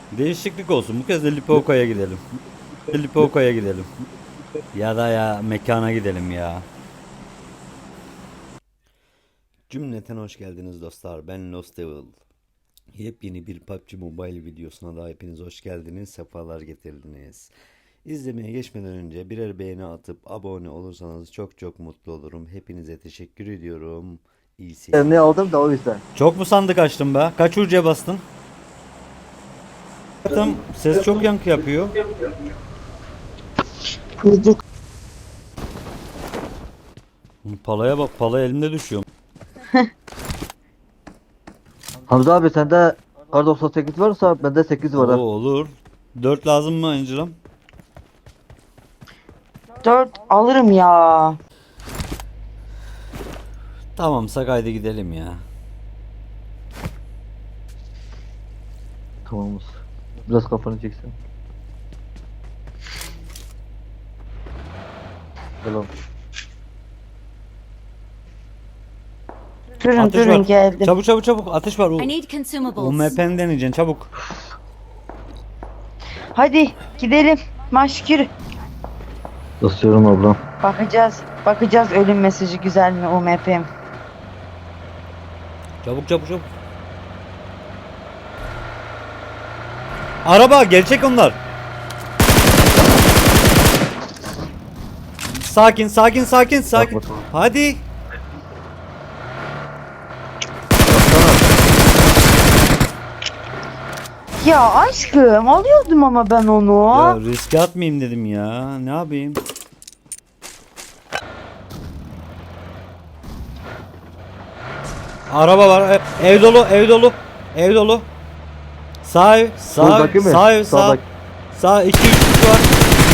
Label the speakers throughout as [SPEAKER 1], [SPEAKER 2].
[SPEAKER 1] Değişiklik olsun. Bu kez de Lipovka'ya gidelim. Lipovka'ya gidelim. Ya da ya mekana gidelim ya. Cümleten hoş geldiniz dostlar. Ben Lost Devil. Yepyeni bir PUBG Mobile videosuna da hepiniz hoş geldiniz. Sefalar getirdiniz. İzlemeye geçmeden önce birer beğeni atıp abone olursanız çok çok mutlu olurum. Hepinize teşekkür ediyorum. İyi seyirler.
[SPEAKER 2] Ne aldım da o yüzden.
[SPEAKER 1] Çok mu sandık açtın be? Kaç ucuya bastın? Tam ses çok yankı yapıyor.
[SPEAKER 3] Çocuk.
[SPEAKER 1] Palaya bak, pala elimde düşüyor.
[SPEAKER 2] Hamza abi sende kar 98 varsa bende 8 var.
[SPEAKER 1] Oo,
[SPEAKER 2] Ha.
[SPEAKER 1] olur. 4 lazım mı Angela'm?
[SPEAKER 3] 4 alırım ya.
[SPEAKER 1] Tamamsa haydi gidelim ya.
[SPEAKER 2] Tamamız. Biraz kafanı çeksin. Selam.
[SPEAKER 3] Durun
[SPEAKER 1] Atış
[SPEAKER 3] durun
[SPEAKER 1] var.
[SPEAKER 3] geldim.
[SPEAKER 1] Çabuk çabuk çabuk. Atış var.
[SPEAKER 4] I need consumables.
[SPEAKER 1] UMP'ni deneyeceksin çabuk.
[SPEAKER 3] Hadi gidelim. Maşkür.
[SPEAKER 2] Basıyorum ablam.
[SPEAKER 3] Bakacağız. Bakacağız ölüm mesajı güzel mi UMP'm.
[SPEAKER 1] Çabuk çabuk çabuk. Araba gerçek onlar. Sakin sakin sakin sakin.
[SPEAKER 2] Bak bakalım.
[SPEAKER 1] Hadi.
[SPEAKER 3] Ya aşkım alıyordum ama ben onu.
[SPEAKER 1] Ya riske atmayayım dedim ya. Ne yapayım? Araba var. Ev dolu, ev dolu. Ev dolu. Sağ ev, sağ
[SPEAKER 2] Buradaki
[SPEAKER 1] ev,
[SPEAKER 2] mi?
[SPEAKER 1] sağ ev, sağ.
[SPEAKER 2] Sağdaki.
[SPEAKER 1] Sağ 2 3 kişi var.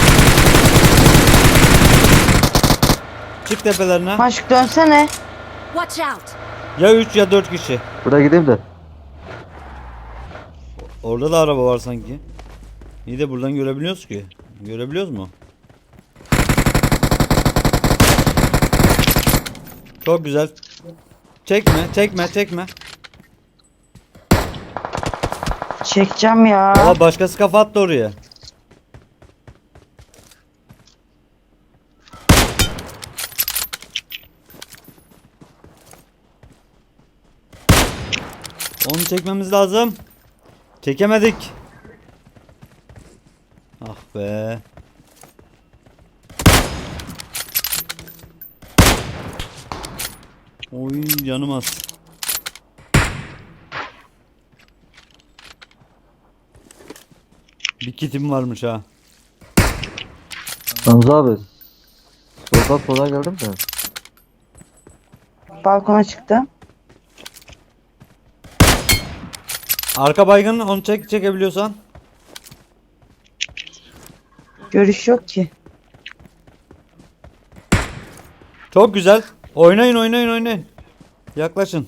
[SPEAKER 1] Çık tepelerine.
[SPEAKER 3] Maşk dönsene.
[SPEAKER 4] Watch out!
[SPEAKER 1] Ya 3 ya 4 kişi.
[SPEAKER 2] Buraya gideyim de.
[SPEAKER 1] Orada da araba var sanki. İyi de buradan görebiliyoruz ki. Görebiliyoruz mu? Çok güzel. Çekme, çekme, çekme.
[SPEAKER 3] Çekeceğim ya.
[SPEAKER 1] Aa, başkası kafa attı oraya. Onu çekmemiz lazım. Çekemedik. Ah be. Oy canım az. Bir kitim varmış ha.
[SPEAKER 2] Hamza abi. Sola geldim de.
[SPEAKER 3] Balkona çıktım.
[SPEAKER 1] Arka baygın onu çekebiliyorsan.
[SPEAKER 3] Görüş yok ki.
[SPEAKER 1] Çok güzel. Oynayın oynayın oynayın. Yaklaşın.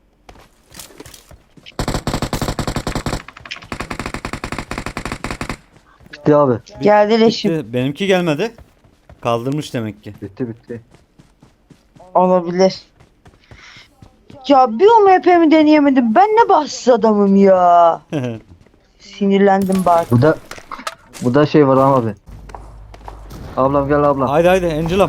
[SPEAKER 2] Bitti abi.
[SPEAKER 3] Geldi leşim.
[SPEAKER 1] Bitti. Benimki gelmedi. Kaldırmış demek ki.
[SPEAKER 2] Bitti.
[SPEAKER 3] Olabilir. Ya bir UMP'mi deneyemedim. Ben ne bahtsız adamım ya. Sinirlendim bak.
[SPEAKER 2] Burada şey var abi. Ablam gel ablam.
[SPEAKER 1] Haydi haydi Angela'm.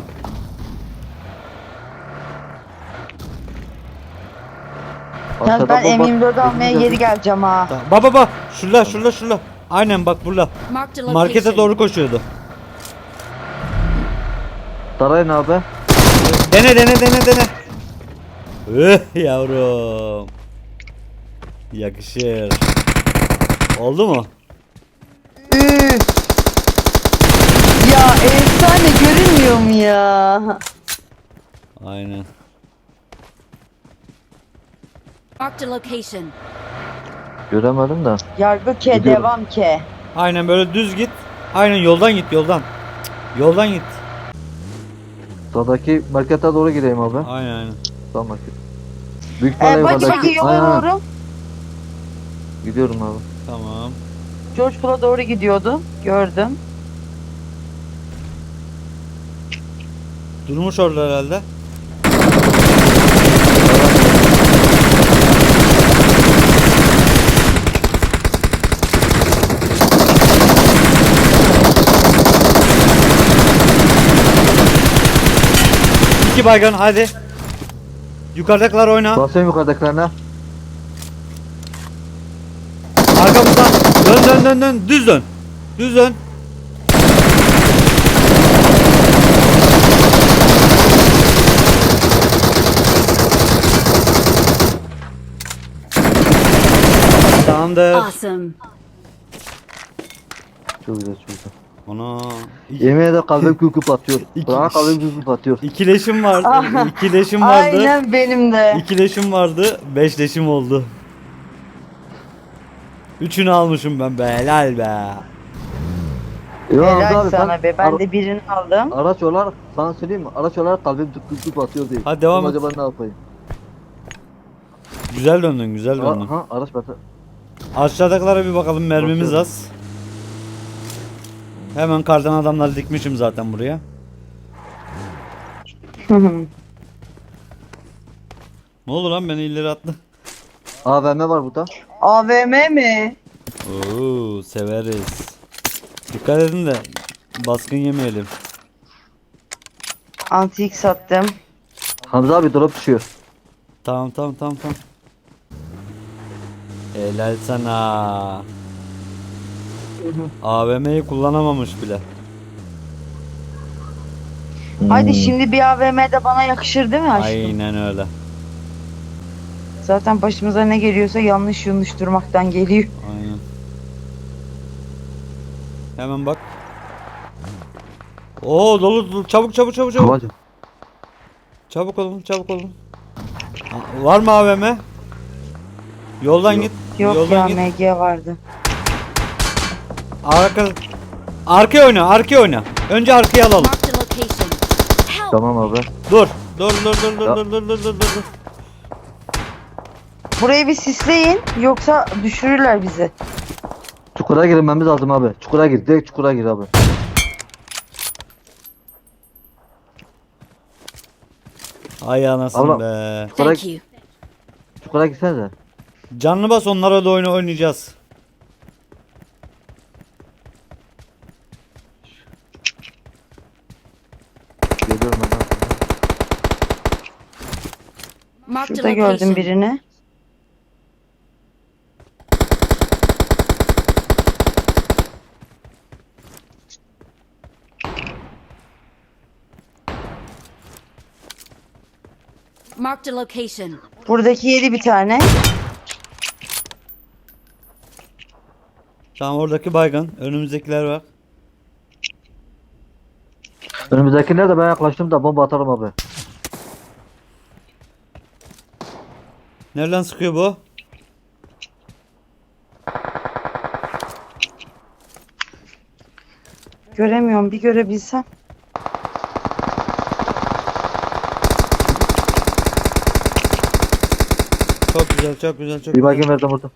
[SPEAKER 3] Yalnız ben
[SPEAKER 2] Aşağıda bomba-
[SPEAKER 3] M24 almaya geri geleceğim ha.
[SPEAKER 1] Baba şurada. Aynen bak burada.
[SPEAKER 4] Marked a location.
[SPEAKER 1] Markete doğru koşuyordu.
[SPEAKER 2] Sarayın abi.
[SPEAKER 1] Dene. Yavrum. Yakışır. Oldu mu?
[SPEAKER 3] Üf. Ya efsane görünmüyor mu ya?
[SPEAKER 1] Aynen.
[SPEAKER 4] Marked a location.
[SPEAKER 2] Göremedim de.
[SPEAKER 3] Yargı ke
[SPEAKER 2] Gidiyorum.
[SPEAKER 3] devam ke.
[SPEAKER 1] Aynen böyle düz git. Aynen yoldan git yoldan. Yoldan git.
[SPEAKER 2] Sağdaki markete doğru gideyim abi.
[SPEAKER 1] Aynen.
[SPEAKER 2] Sağ market. Büyük ihtimalle
[SPEAKER 3] Bagi
[SPEAKER 2] yukarıdaki.
[SPEAKER 3] bagi yola
[SPEAKER 2] Aynen.
[SPEAKER 3] doğru.
[SPEAKER 2] Gidiyorum abi.
[SPEAKER 1] Tamam.
[SPEAKER 3] George Pool'a doğru gidiyordu. Gördüm.
[SPEAKER 1] Durmuş orada herhalde. 2 baygın hadi. Yukarıdakiler oyna.
[SPEAKER 2] Basıyorum yukarıdakilerine.
[SPEAKER 1] Arkamızdan. Dön. Düz dön. Düz dön. Tamamdır.
[SPEAKER 4] Awesome.
[SPEAKER 2] Çok güzel çok güzel.
[SPEAKER 1] Ana.
[SPEAKER 2] Yemin ederim kalbim küp atıyor.
[SPEAKER 1] İki-
[SPEAKER 2] Bana kalbim küp atıyor.
[SPEAKER 1] İkileşim vardı.
[SPEAKER 3] Ah,
[SPEAKER 1] İkileşim vardı.
[SPEAKER 3] Aynen benim de.
[SPEAKER 1] İkileşim vardı. 5'leşim oldu. Üçünü almışım ben be. Helal be.
[SPEAKER 2] Ya Hamza
[SPEAKER 3] Helal
[SPEAKER 2] abi,
[SPEAKER 3] sana be. Ben de birini aldım.
[SPEAKER 2] araç olarak sana söyleyeyim mi? Araç olarak kalbim küp atıyor diye.
[SPEAKER 1] Hadi devam
[SPEAKER 2] Ama
[SPEAKER 1] et.
[SPEAKER 2] acaba ne yapayım?
[SPEAKER 1] Güzel döndün, güzel döndün.
[SPEAKER 2] Ha araç batı.
[SPEAKER 1] Aşağıdakilere bir bakalım, mermimiz
[SPEAKER 2] Bakıyorum.
[SPEAKER 1] az. Hemen kardan adamları dikmişim zaten buraya. Ne oldu lan, beni ileri attı.
[SPEAKER 2] AVM var burada.
[SPEAKER 3] AVM mi?
[SPEAKER 1] Oo, severiz. Dikkat edin de baskın yemeyelim.
[SPEAKER 3] Antik sattım.
[SPEAKER 2] Hamza abi drop düşüyor.
[SPEAKER 1] Tamam. Helal sana. AVM'yi kullanamamış bile.
[SPEAKER 3] Hadi şimdi bir AVM de bana yakışır değil mi aşkım?
[SPEAKER 1] Aynen öyle.
[SPEAKER 3] Zaten başımıza ne geliyorsa yanlış durmaktan geliyor.
[SPEAKER 1] Aynen. Hemen bak. Oo, dolu. Çabuk.
[SPEAKER 2] Babacım.
[SPEAKER 1] Çabuk olun. Var mı AVM? Yoldan
[SPEAKER 2] Yok.
[SPEAKER 1] git.
[SPEAKER 3] Yok
[SPEAKER 1] Yoldan
[SPEAKER 3] ya,
[SPEAKER 1] git.
[SPEAKER 3] MG vardı.
[SPEAKER 1] Arkaya oyna. Önce arkaya alalım.
[SPEAKER 4] Marked a location. Help!
[SPEAKER 2] Tamam abi.
[SPEAKER 1] Dur.
[SPEAKER 3] Burayı bir sisleyin yoksa düşürürler bizi.
[SPEAKER 2] Çukura girmemiz lazım abi. Çukura gir. Direkt çukura gir abi.
[SPEAKER 1] Ay anasını
[SPEAKER 2] Abla.
[SPEAKER 1] be.
[SPEAKER 4] Thank you.
[SPEAKER 2] Çukura girsene.
[SPEAKER 1] Canlı bas, onlara da oyunu oynayacağız.
[SPEAKER 2] Geliyorum ben.
[SPEAKER 4] Marked a
[SPEAKER 3] Şurada gördüm
[SPEAKER 4] location.
[SPEAKER 3] birini.
[SPEAKER 4] Marked a location.
[SPEAKER 3] Buradaki yedi bir tane.
[SPEAKER 1] Tamam, oradaki baygın. Önümüzdekiler var.
[SPEAKER 2] Önümüzdekiler de ben yaklaştım da bomba atarım abi.
[SPEAKER 1] Nereden sıkıyor bu?
[SPEAKER 3] Göremiyorum, bir görebilsem.
[SPEAKER 1] Çok güzel.
[SPEAKER 2] Bir bakayım verdim orada.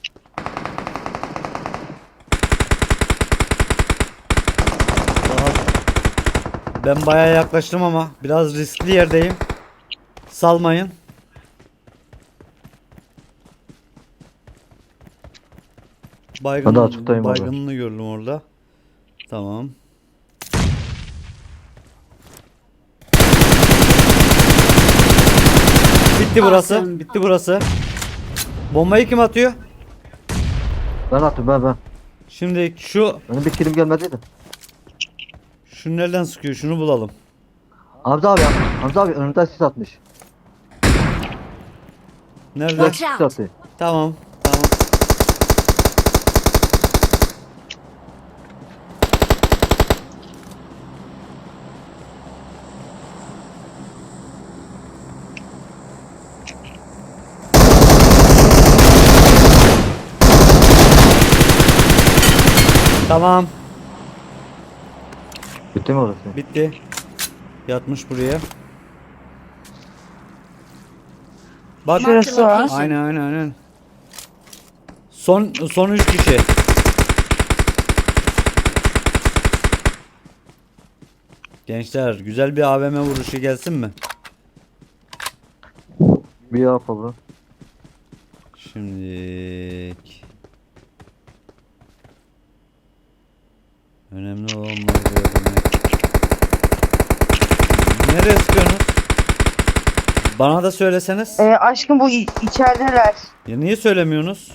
[SPEAKER 1] Ben bayağı yaklaştım ama biraz riskli yerdeyim. Salmayın.
[SPEAKER 2] Hadi açıktayım abi.
[SPEAKER 1] Baygınını gördüm orada. Tamam. Bitti burası.
[SPEAKER 4] Awesome.
[SPEAKER 1] Bitti burası. Bombayı kim atıyor?
[SPEAKER 2] Ben attım ben.
[SPEAKER 1] Şimdi şu
[SPEAKER 2] Benim bir kilim gelmediydi.
[SPEAKER 1] nereden sıkıyor? Şunu bulalım.
[SPEAKER 2] Hamza abi ya. Hamza abi önümden sis atmış.
[SPEAKER 1] Nerede?
[SPEAKER 2] Direkt
[SPEAKER 4] Watch
[SPEAKER 2] sis
[SPEAKER 4] out.
[SPEAKER 2] attı.
[SPEAKER 1] Tamam. Tamam.
[SPEAKER 2] Bitti mi orası?
[SPEAKER 1] Bitti. Yatmış buraya. Bak.
[SPEAKER 3] Şurası var.
[SPEAKER 1] Aynen. Son 3 kişi. Gençler, güzel bir AVM vuruşu gelsin mi?
[SPEAKER 2] Bir yapalım.
[SPEAKER 1] Şimdi önemli olan bunları görebilmek. Nereye sıkıyorsunuz? Bana da söyleseniz.
[SPEAKER 3] Aşkım bu içerideler.
[SPEAKER 1] Ya niye söylemiyorsunuz?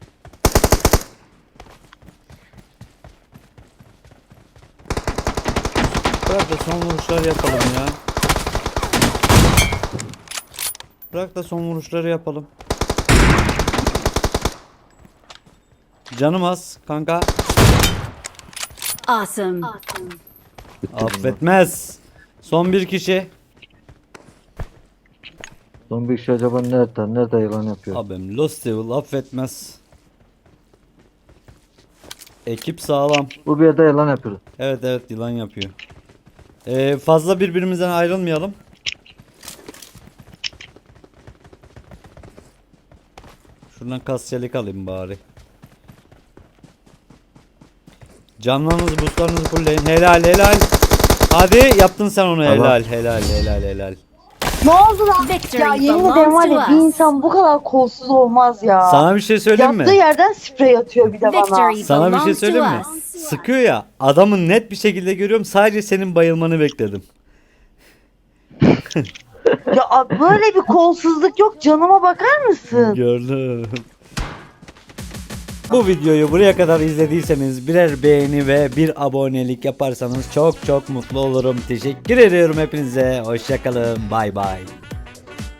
[SPEAKER 1] Bırak da son vuruşları yapalım ya. Bırak da son vuruşları yapalım. Canım az kanka.
[SPEAKER 4] Awesome.
[SPEAKER 1] Affetmez. Son bir kişi.
[SPEAKER 2] Son bir kişi acaba nerede? Nerede yılan yapıyor?
[SPEAKER 1] Abim Lost Devil affetmez. Ekip sağlam.
[SPEAKER 2] Bu bir yerde yılan yapıyor.
[SPEAKER 1] Evet evet yılan yapıyor. Fazla birbirimizden ayrılmayalım. Şuradan kasçelik alayım bari. Canlarınızı, boostlarınızı fullleyin. Helal helal. Hadi yaptın sen onu,
[SPEAKER 2] Tamam.
[SPEAKER 1] helal helal helal helal.
[SPEAKER 3] Ne oldu lan?
[SPEAKER 4] Victory
[SPEAKER 3] Ya yemin ederim var ya,
[SPEAKER 4] belongs
[SPEAKER 3] bir
[SPEAKER 4] to us.
[SPEAKER 3] insan bu kadar kolsuz olmaz ya.
[SPEAKER 1] Sana bir şey söyleyeyim
[SPEAKER 3] Yaptığı
[SPEAKER 1] mi?
[SPEAKER 3] yerden sprey atıyor bir de bana.
[SPEAKER 4] Victory
[SPEAKER 1] Sana bir şey
[SPEAKER 4] belongs to
[SPEAKER 1] söyleyeyim mi?
[SPEAKER 4] us.
[SPEAKER 1] Sıkıyor ya. Adamı net bir şekilde görüyorum. Sadece senin bayılmanı bekledim.
[SPEAKER 3] Ya böyle bir kolsuzluk yok, canıma bakar mısın?
[SPEAKER 1] Gördüm. Bu videoyu buraya kadar izlediyseniz birer beğeni ve bir abonelik yaparsanız çok çok mutlu olurum. Teşekkür ediyorum hepinize. Hoşçakalın. Bay bay.